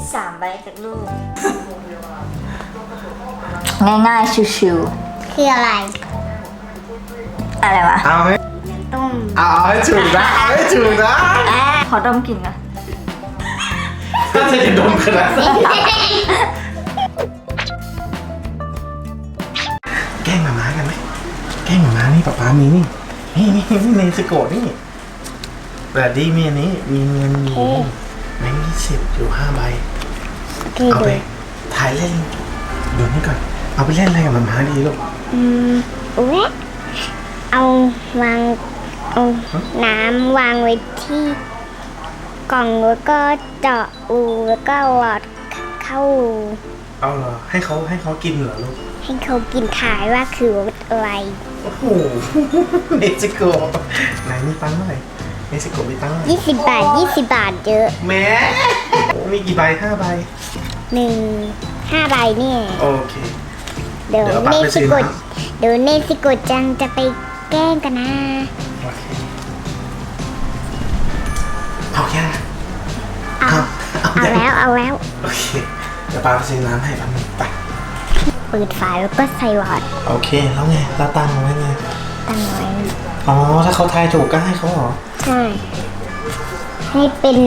3 ใบจากลูก ง่ายๆชิวคืออะไรๆอะไรวะเอาให้ต้มเอาให้ถูกนะเอาให้ถูกนะขอดมกลิ่นก่อนถ้าเธอจะดมขนาดนั้นแกล้งหมาม้ากันไหมแกล้งหมาม้านี่ป๊ามีนี่เนสโกะนี่แบดดี้มีอันนี้มีเงินอยู่แบงค์20อยู่5 ใบคือเอาดูไปถ่ายเล่นดูนี่ก่อนเอาไปเล่นอะไรกับหมาม้าดีลูกอุ๊ยเอาวางเอาน้ำวางไว้ที่กล่องแล้วก็เจาะรูแล้วก็หลอดเข้ารูเอาเหรอให้เขากินเหรอลูกให้เขากินถ่ายว่าคืออะไรโอ้โหเนสโกะไหนมีตังค์เท่าไหร่เนสโกะมีตังค์เท่าไหร่ 20 บาท 20 บาทเยอะแหม่มีกี่ใบ5 ใบ 5 ใบนี่โอเคเดี๋ยวเดี๋ยวเอาเนบัตรไปซื้ซิอโกะน้เดี๋ยวเนซิโกะจังจะไปแกล้งกันนะโอเคเอาแค่นั้นเอาแล้วโอเคเดี๋ยวปาไปซื้อน้ำให้แป๊บนึงไปเปิดฝาแล้วก็ใส่หลอดโอเคแล้วไงเราตั้งไว้ไงตั้งไว้อ๋อถ้าเขาทายถูกก็ให้เขาเหรอใช่ ให้เป็น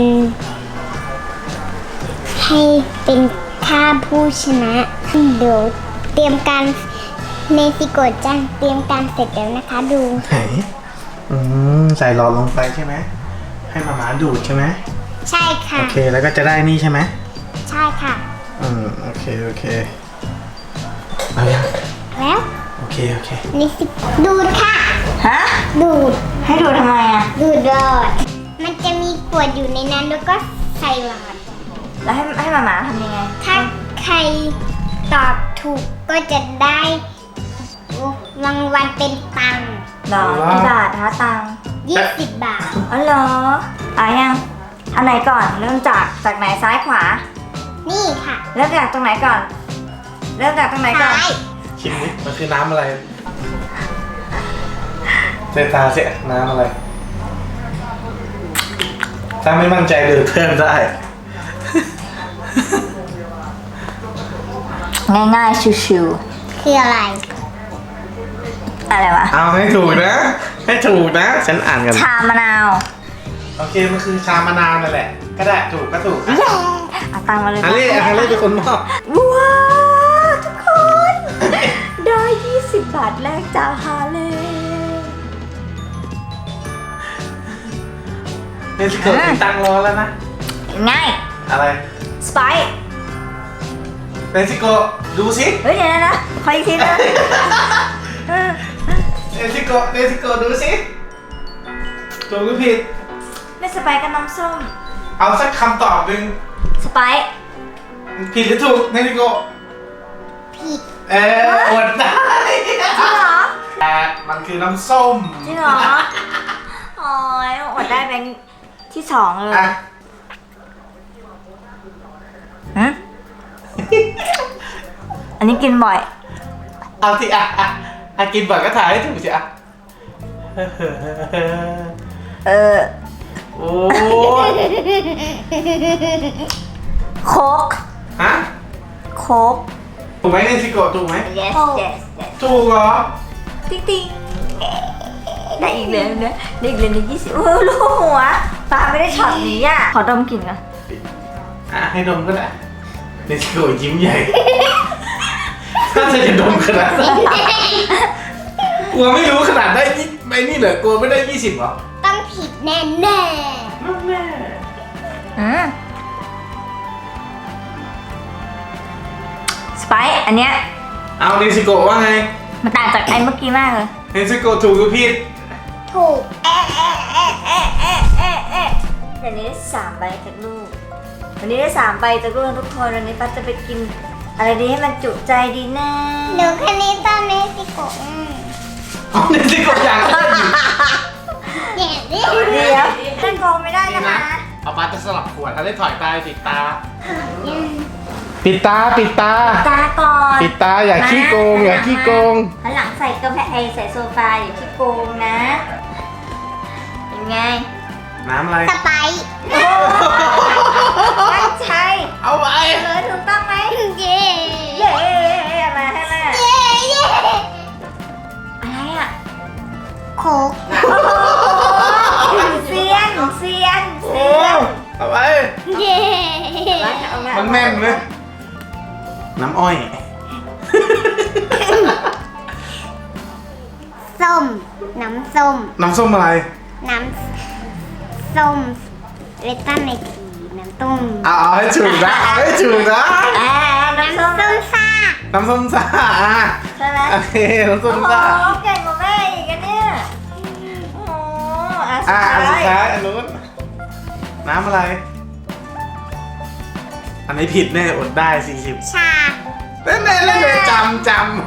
ค่าผู้ชนะเดี๋ยวเตรียมการเนซิโกะจังเตรียมการเสร็จแล้วนะคะดูไหนใส่หลอดลงไปใช่ไหมให้หมาดูดใช่ไหมใช่ค่ะโอเคแล้วก็จะได้นี่ใช่ไหมใช่ค่ะโอเคเอายังแล้วโอเคเนซิดูดค่ะฮะดูดให้ดูทำไมอ่ะดูดหลอด มันจะมีขวดอยู่ในนั้นแล้วก็ใส่หลอดแล้วให้หมาทำยังไงถ้าใครตอบถูกก็จะได้รางวัลเป็นตังค์หรอกี่บาทคะตังค์ 20 บาทอ๋อเหรอยังอันไหนก่อนเริ่มจากไหนซ้ายขวานี่ค่ะเริ่มจากตรงไหนก่อน เริ่มจากตรงไหนก่อนซ้ายชิมดิมันคือน้ำอะไรเซตาเสียน้ำอะไร ถ้าไม่มั่นใจดื่มเพิ่มได้ง่ายๆชิวคืออะไรๆอะไรวะเอาให้ถูกนะ ให้ถูกนะ ฉันอ่านกันชามะนาวโอเค มันคือชามะนาวนั่นแหละ ก็ได้ถูกก็ถูกเอาตังค์มาเลยฮันเล่เป็นคนมอบว้าวทุกคนได้20 บาทแรกจากฮาเล่เนสโกะติดตังรอแล้วนะง่ายอะไรสไปซ์เนสโกะดูสิเฮ้ยเดี๋ยวนะขออีกทีนะเนสโกะดูสิถูกหรือผิดไม่สไปซ์กับน้ำส้มเอาสักคำตอบหนึ่งสไปซ์ผิดหรือถูกเนสโกะผิดอดได้จริงเหรอแต่มันคือน้ำส้มจริงเหรอโอ้ยอดได้แบงค์ที่2เลยอ่ะฮะอันนี้กินบ่อยเอาที่กินบ่อยก็ถ่ายให้ถูกสิอ่ะ โอ้ยโค้กฮะโค้กถูกไหมเนสโกะถูกไหม yes yes yes ถูกเหรอติ๊งติ๊งได้อีกเลยนะได้อีกเลยใน20โอ้ลูกหัวปลาไม่ได้ช็อตนี้อ่ะขอดมกลิ่นก่อนให้ดมก็ได้เนสโกะยิ้มใหญ่ ถ้าเธอจะดมขนาดนั้นกลัวไม่รู้ขนาดได้ไม่นี่เหรอกลัวไม่ได้20เหรอต้องผิดแน่แน่แม่สไปซ์อันเนี้ยเอาเนสโกะว่าไงมันต่างจากไอ้เมื่อกี้มากเลยเนสโกะถูกหรือผิดๆถูกเดี๋ยวนี้ได้3 ใบจากลูกวันนี้ได้3 ใบจากลูกทุกคนวันนี้ป้าจะไปกินอะไรดีให้มันจุใจดีนะหนูคันนี้ตอนเนซิโกะเอาเนสโกะอย่างนั้นอยู่อย่างนี้เดี๋ยวท่านโกงไม่ได้นะคะเอาปาจะสลับขวดถ้าได้ถอยตาปิดตา ปิดตาตาก่อนปิดตาอย่าขี้โกงอย่าขี้โกงหันหลังใส่กระแพงใส่โซฟาอย่าขี้โกงนะเป็นไงน้ำอะไรสไปซ์ตั้งใจเอาไว้เอาไงมันแม่นเลยน้ำอ้อยส้ม น้ำส้มน้ำส้มอะไรน้ำส้มเวตันในทีน้ำต้มเอาให้ถูกนะเอาให้ถูกนะน้ำส้มส้มซ่าน้ำส้มซ่าอ่ะใช่ไหมโอเคน้ำส้โอ้มโหซ่าเก่งกว่าแม่อีกอะเนี่ยโอ้โหอ่ะสุอันดสุดท้าท้าย ยอันนู้นน้ำอะไร อันนี้ผิดแน่อดได้40 ชาเล่นเลยจำ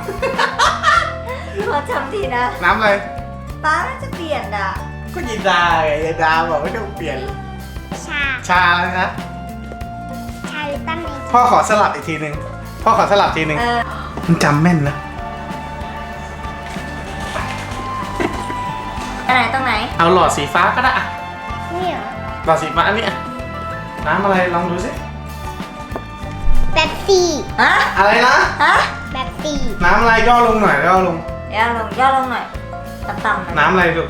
พอจำทีนะน้ำอะไรป้าน่าจะเปลี่ยนอ่ะก็ยินดาไงยินดาบอกไม่ต้องเปลี่ยนชาชาแล้วนะชาเวตันในทีพ่อขอสลับอีกทีหนึ่งพ่อขอสลับทีหนึ่ง มันจำแม่นนะอันไหนตรงไหนเอาหลอดสีฟ้าก็ได้อะนี่เหรอหลอดสีฟ้าอันนี้อะน้ำอะไรลองดูสิแบบซี่ฮะอะไรนะฮะแบบซี่น้ำอะไรย่อลงหน่อยย่อลงย่อลงหน่อย ต่ำๆหน่อยน้ำอะไรลูก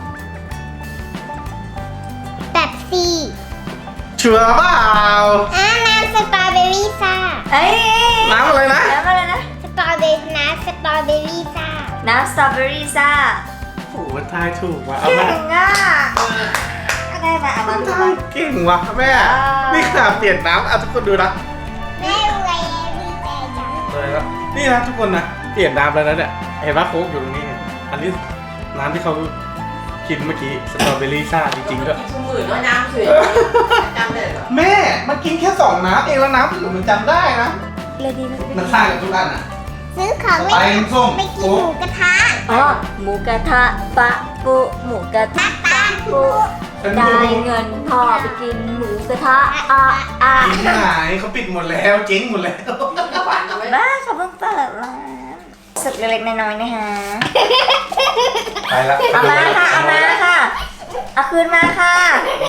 แบบซี่ชัวร์เปล่าน้ำสตรอเบอรี่ซ่าเอ้ยน้ำอะไรนะน้ำอะไรนะสตรอเบอรี่น้ำสตรอเบอรี่ซ่าน้ำสตรอเบอรี่ซ่าโอ้โหทายถูกว่ะเอาเก่แม่งอ่ะก็ได้มาเอามาดูทามายเก่งว่ะแม่ นี่ขนาดเปลี่ยนน้ำเอาทุกคนดูนะแม่รวยดีใจจังเลยแล้วนี่นะทุกคนนะเปลี่ยนน้ำแล้วนะเนี่ยเห็นว่าโค้กอยู่ตรงนี้เนี่ยอันนี้น้ำที่เขากินเมื่อกี้สตรอเบอรี่ซ่าจริงๆด้วยกินชุ่มอื่นด้วยน้ำเฉยจำได้เหรอแม่มันกินแค่2น้ำเองแล้วน้ำอื่นมันจำได้นะเลยดีไหมมันสร้างกับทุกอันอ่ะซื้อของไปน้ำส้มไปกินหมูกระทะอ๋อหมูกระทะปะปุหมูกระทะปะปุเป็นได้หมูเงินพ่อไปกินหมูกระทะอ่ะกินที่ไหนเขาปิดหมดแล้วเจ๊งหมดแล้วฝันเอาไว้บ้าเขาเพิ่งเปิดร้านสุดเล็กๆน้อยๆนะคะไปละเอามาค่ะ เอามาค่ะ เอาคืนมาค่ะ